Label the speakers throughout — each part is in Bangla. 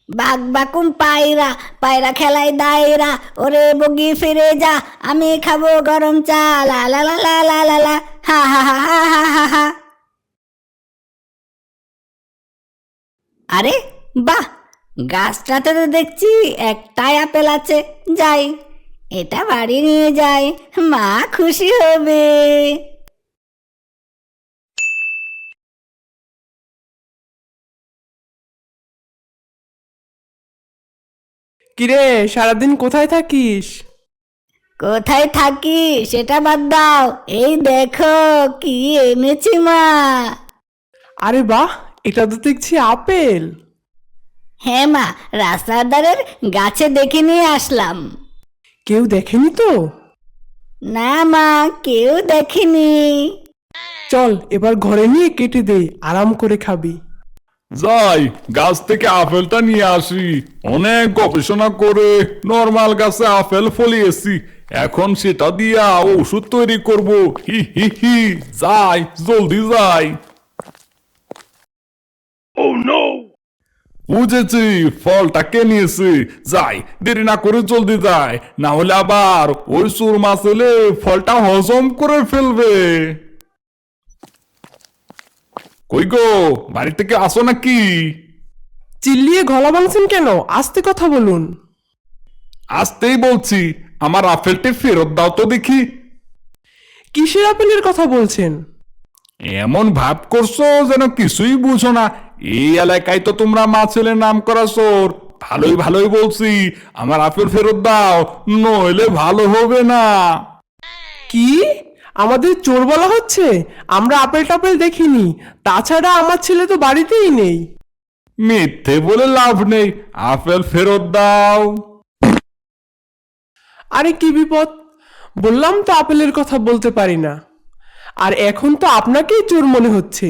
Speaker 1: বাঘ বাকুম পায়রা, পায়রা খেলায় দায়রা, ওরে বগি ফিরে যা, আমি খাবো গরম চা, লা লা লা লা লা লা লা, হা হা হা হা হা হা হা। আরে বাহ, গাছটাতে তো দেখছি একটাই আপেল আছে। যাই, এটা বাড়ি নিয়ে যাই, মা খুশি হবে।
Speaker 2: কিরে, সারাদিন কোথায় থাকিস?
Speaker 1: কোথায় থাকি সেটা বাদ দাও, এই দেখো কি এনেছি মা।
Speaker 2: আরে বাহ, এটা তো দেখছি আপেল।
Speaker 1: হ্যাঁ মা, রাস্তার ধারের গাছে দেখে নিয়ে আসলাম।
Speaker 2: কেউ দেখেনি তো?
Speaker 1: না মা, কেউ দেখেনি।
Speaker 2: চল এবার ঘরে নিয়ে কেটে দে, আরাম করে খাবি।
Speaker 3: যাই গাছ থেকে আপেলটা নিয়ে আসি। অনেক গবেষণা করে নর্মাল গাছে আপেল ফলিয়েছি, এখন সেটা দিয়া ওষুধ তৈরি করব। হি হি হি, যাই জলদি যাই। বুঝেছি, ফলটা কে নিয়েছে। যাই, দেরি না করে জলদি যাই, না হলে আবার ওই চোর মাছ এলে ফলটা হজম করে ফেলবে। কই গো, বাড়ি থেকে আসো নাকি?
Speaker 2: চিল্লিয়ে গলা ভাঙছেন কেন? আস্তে কথা বলুন।
Speaker 3: আসতেই বলছি, আমার আপেলটি ফেরত দাও তো দেখি।
Speaker 2: কিসের আপেলের কথা বলছেন?
Speaker 3: এমন ভাব করছো যেন কিছুই বুঝো না। এই এলাকায় তো তোমরা মা ছেলে নাম করা চোর। ভালোই ভালোই বলছি, আমার আপেল ফেরত দাও, নইলে ভালো হবে না।
Speaker 2: কি? আমাদের চোর বলা হচ্ছে? আমরা আপেল টাপেল দেখিনি, তাছাড়া আমার ছেলে তো বাড়িতেই নেই।
Speaker 3: মিথ্যে বলে লাভ নেই, আপেল ফেরত দাও।
Speaker 2: আরে কি বিপদ! বললাম তো আপেলের কথা বলতে পারি না। আর এখন তো আপনাকেই চোর মনে হচ্ছে।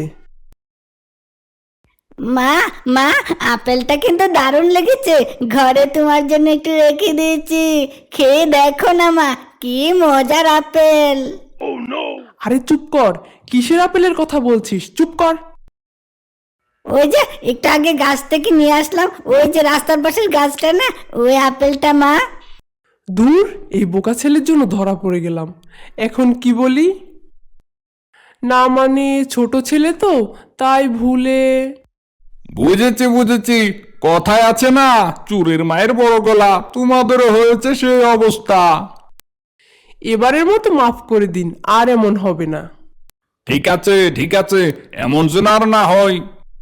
Speaker 1: মা, মা, আপেলটা কিন্তু দারুণ লেগেছে, ঘরে তোমার জন্য একটু রেখে দিয়েছি, খেয়ে দেখো না মা, কি মজার আপেল।
Speaker 2: আরে চুপ কর, কিসের আপেলের কথা বলছিস? চুপ কর।
Speaker 1: ওই যে একটু আগে গাছ থেকে নিয়ে আসলাম, ওই যে রাস্তার পাশের গাছটা না, ওই আপেলটা মা।
Speaker 2: দূর, এই বোকা ছেলের জন্য ধরা পড়ে গেলাম। এখন কি বলি? না মানে ছোট ছেলে তো, তাই ভুলে।
Speaker 3: বুঝেছি বুঝেছি, কথায় আছে না, চুরের মায়ের বড় গলা, তোমাদেরও হয়েছে সেই অবস্থা।
Speaker 2: এবারের মতো মাফ করে দিন, আর এমন হবে না।
Speaker 3: ঠিক আছে ঠিক আছে, এমন যেন আর না হয়।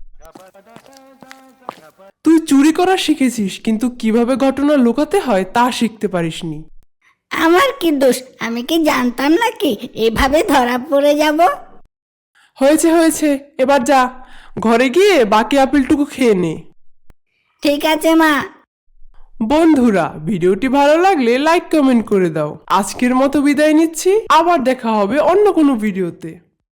Speaker 2: তুই চুরি করা শিখেছিস, কিন্তু কিভাবে ঘটনা লুকাতে হয় তা শিখতে পারিসনি।
Speaker 1: আমার কি দোষ, আমি কি জানতাম নাকি এভাবে ধরা পড়ে যাব।
Speaker 2: হয়েছে হয়েছে, এবার যা, ঘরে গিয়ে বাকি আপেলটুকু খেয়ে নে।
Speaker 1: ঠিক আছে মা।
Speaker 2: বন্ধুরা, ভিডিওটি ভালো লাগলে লাইক কমেন্ট করে দাও। আজকের মতো বিদায় নিচ্ছি, আবার দেখা হবে অন্য কোনো ভিডিওতে।